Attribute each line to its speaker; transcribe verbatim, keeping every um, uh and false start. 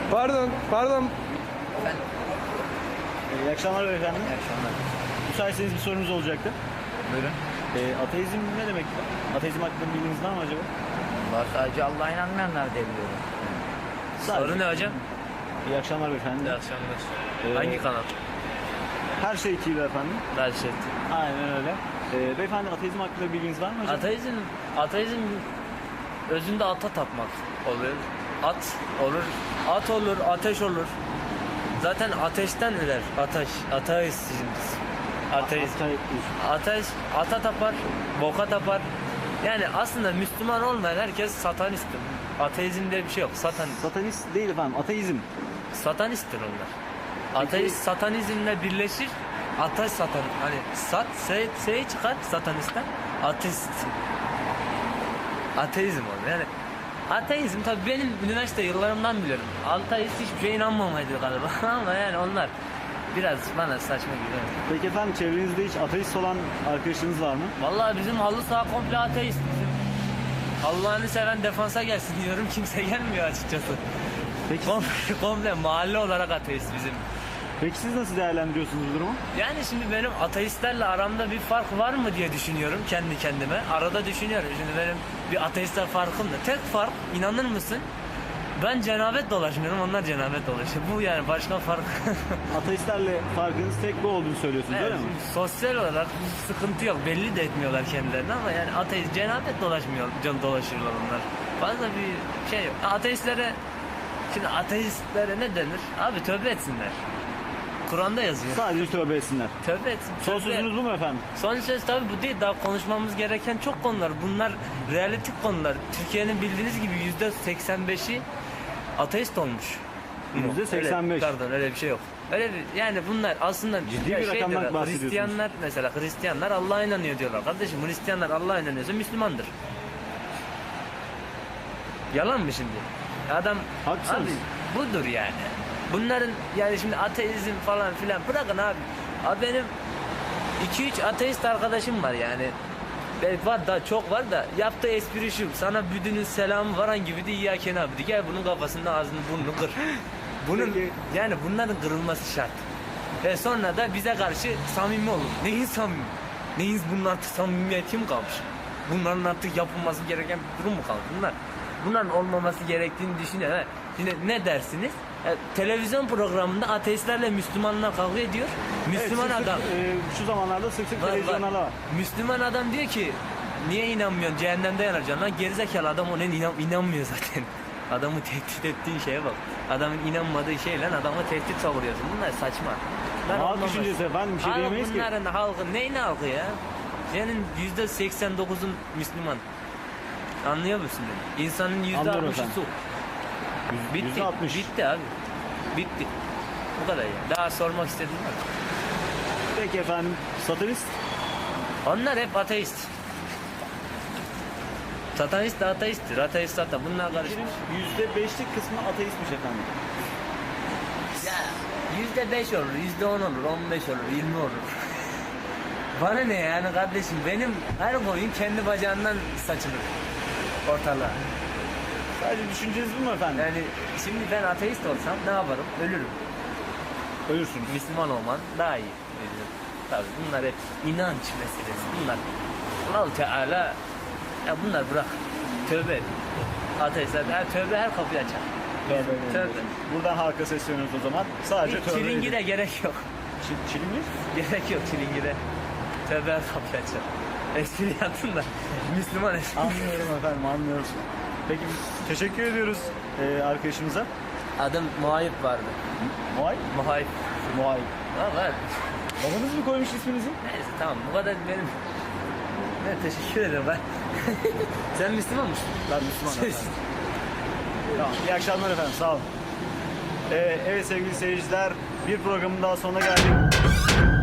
Speaker 1: Pardon, pardon.
Speaker 2: Efendim?
Speaker 3: Ee, iyi akşamlar beyefendi.
Speaker 2: İyi akşamlar.
Speaker 3: Müsaitseniz bir sorunuz olacaktı.
Speaker 2: Buyurun.
Speaker 3: Ee, ateizm ne demek? Ateizm hakkında bilginiz var mı acaba?
Speaker 2: Vallahi sadece Allah'a inanmayanlar diye biliyorum.
Speaker 3: Sadece-
Speaker 4: Soru ne hocam?
Speaker 3: İyi akşamlar beyefendi.
Speaker 4: İyi akşamlar.
Speaker 3: Ee,
Speaker 4: Hangi kanal?
Speaker 3: Her şey T V efendim.
Speaker 4: Belşet.
Speaker 3: Aynen öyle. Ee, beyefendi ateizm hakkında bilginiz var mı acaba?
Speaker 4: Ateizm, ateizm özünde ata tapmak oluyor. At olur, at olur, ateş olur. Zaten ateşten ürer, ateş, ateizm biz. Ateist.
Speaker 3: Ate-
Speaker 4: Ateş, ata tapar, boka tapar. Yani aslında Müslüman olmayan herkes satanisttir. Ateizm diye bir şey yok, satan,
Speaker 3: Satanist değil efendim, ateizm.
Speaker 4: satanisttir onlar.
Speaker 3: Peki-
Speaker 4: Ateist satanizmle birleşir. Ateş satan, hani sat, se, se çıkar satanistten, ateist. Ateizm olur yani. Ateizm tabii benim üniversite yıllarımdan biliyorum. Ateist hiçbir şeye inanmamaydı galiba ama yani onlar biraz bana saçma geliyor.
Speaker 3: Peki efendim çevrenizde hiç ateist olan arkadaşınız var mı?
Speaker 4: Vallahi bizim halı saha komple ateist. Bizim Allah'ını seven defansa gelsin diyorum, kimse gelmiyor açıkçası.
Speaker 3: Peki,
Speaker 4: Komple, komple mahalle olarak ateist bizim.
Speaker 3: peki siz nasıl değerlendiriyorsunuz bu durumu?
Speaker 4: Yani şimdi benim ateistlerle aramda bir fark var mı diye düşünüyorum kendi kendime. Arada düşünüyorum. Şimdi benim bir ateistler farkım da. Tek fark, inanır mısın? Ben cenabet dolaşmıyorum, onlar cenabet dolaşıyor. Bu yani başka fark.
Speaker 3: Ateistlerle farkınız tek bu olduğunu söylüyorsunuz
Speaker 4: Evet,
Speaker 3: öyle mi?
Speaker 4: sosyal olarak bir sıkıntı yok. Belli de etmiyorlar kendilerini ama yani ateist cenabet dolaşmıyor, can dolaşırlar onlar. Fazla bir şey yok. Ateistlere, şimdi ateistlere ne denir? Abi tövbe etsinler. Kur'an'da yazıyor.
Speaker 3: Sadece tövbe etsinler.
Speaker 4: Tövbe etsin.
Speaker 3: Son
Speaker 4: tövbe.
Speaker 3: sözünüz bu mu efendim?
Speaker 4: Son söz tabii bu değil. Daha konuşmamız gereken çok konular. Bunlar realistik konular. Türkiye'nin bildiğiniz gibi yüzde seksen beşi ateist olmuş.
Speaker 3: yüzde seksen beş.
Speaker 4: Öyle, pardon öyle bir şey yok. Öyle bir, yani bunlar aslında
Speaker 3: Ciddi
Speaker 4: ya
Speaker 3: bir
Speaker 4: şey
Speaker 3: rakamdan
Speaker 4: diyorlar,
Speaker 3: bahsediyorsunuz.
Speaker 4: Hristiyanlar mesela Hristiyanlar Allah'a inanıyor diyorlar. Kardeşim Hristiyanlar Allah'a inanıyorsa Müslümandır. Yalan mı şimdi? Adam
Speaker 3: Haklısınız.
Speaker 4: abi budur yani. Bunların yani şimdi ateizm falan filan bırakın abi. Abi benim iki üç ateist arkadaşım var yani. Belki var da çok var da yaptığı espri şu. Sana büdünün selamı varan gibi de İyyâken abdi. Gel bunun kafasında ağzını burnunu kır. Bunun
Speaker 3: Peki.
Speaker 4: yani bunların kırılması şart. Ve sonra da bize karşı samimi olun. Neyin samimi? Neyin bunun artık samimiyeti mi kalmış? Bunların artık yapılması gereken bir durum mu kalmış? Bunlar bunların olmaması gerektiğini düşünüyor. Ha, şimdi ne dersiniz? E, televizyon programında ateistlerle Müslümanlar kavga ediyor. Müslüman
Speaker 3: Evet, sık sık,
Speaker 4: adam
Speaker 3: e, şu zamanlarda sık sık
Speaker 4: Var,
Speaker 3: televizyonlarda
Speaker 4: var.
Speaker 3: var.
Speaker 4: Müslüman adam diyor ki niye inanmıyorsun, cehennemde yanacaksın lan, gerizekalı adam ona inan, inanmıyor zaten. Adamı tehdit ettiği şeye bak. Adamın inanmadığı şeyle adamı tehdit savuruyorsun. Bunlar saçma. Bunlar
Speaker 3: Halk
Speaker 4: olmaz.
Speaker 3: düşüncesi efendim, bir şey
Speaker 4: Halk
Speaker 3: diyemeyiz ki.
Speaker 4: bunların halkı neyin halkı ya? Senin yüzde seksen dokuzun Müslüman. Anlıyor musun beni? İnsanın yüzde
Speaker 3: Anlıyorum
Speaker 4: altmışı
Speaker 3: efendim.
Speaker 4: su.
Speaker 3: Yüz-
Speaker 4: Bitti.
Speaker 3: yüzde altmış.
Speaker 4: Bitti abi. Bitti. Bu kadar ya. Daha sormak istediğim var.
Speaker 3: Peki efendim satanist?
Speaker 4: Onlar hep ateist. Satanist de ateisttir. Ateist satan. Bunlar karışmış.
Speaker 3: Yüzde beşlik kısmı ateistmiş efendim.
Speaker 4: Ya yüzde beş olur, yüzde on olur, on beş olur, yirmi olur. Bana ne yani kardeşim? Benim her boyun kendi bacağından saçılır ortalığa.
Speaker 3: Sadece düşünceniz bu mu efendim?
Speaker 4: Yani şimdi ben ateist olsam ne yaparım? Ölürüm.
Speaker 3: Ölürsünüz.
Speaker 4: Müslüman olman daha iyi. Tabii bunlar hep inanç meselesi. Bunlar Allah Teala ya bunlar bırak. Tövbe et. Ateistler her tövbe her kapıyı açar.
Speaker 3: Tövbe.
Speaker 4: Tövbe.
Speaker 3: Buradan halka sesleniyoruz o zaman. Sadece
Speaker 4: Hiç
Speaker 3: tövbe
Speaker 4: çilingire
Speaker 3: edin.
Speaker 4: gerek yok.
Speaker 3: Çi- Çilingir?
Speaker 4: Gerek yok çilingire. Tövbe her kapıyı açar. Espri yaptın da Müslüman espri.
Speaker 3: Anlıyorum efendim, anlıyoruz. Peki teşekkür ediyoruz e, arkadaşımıza.
Speaker 4: Adım Muayip vardı.
Speaker 3: Muay?
Speaker 4: Muayip.
Speaker 3: Muay.
Speaker 4: Ha var.
Speaker 3: Babanız mı koymuş isminizi?
Speaker 4: Neyse tamam bu kadar benim. Ne teşekkür ederim ben. Sen Müslüman mısın?
Speaker 3: Ben Müslümanım efendim. Tamam, iyi akşamlar efendim, sağ olun. Ee, evet sevgili seyirciler, bir programın daha sonuna geldik.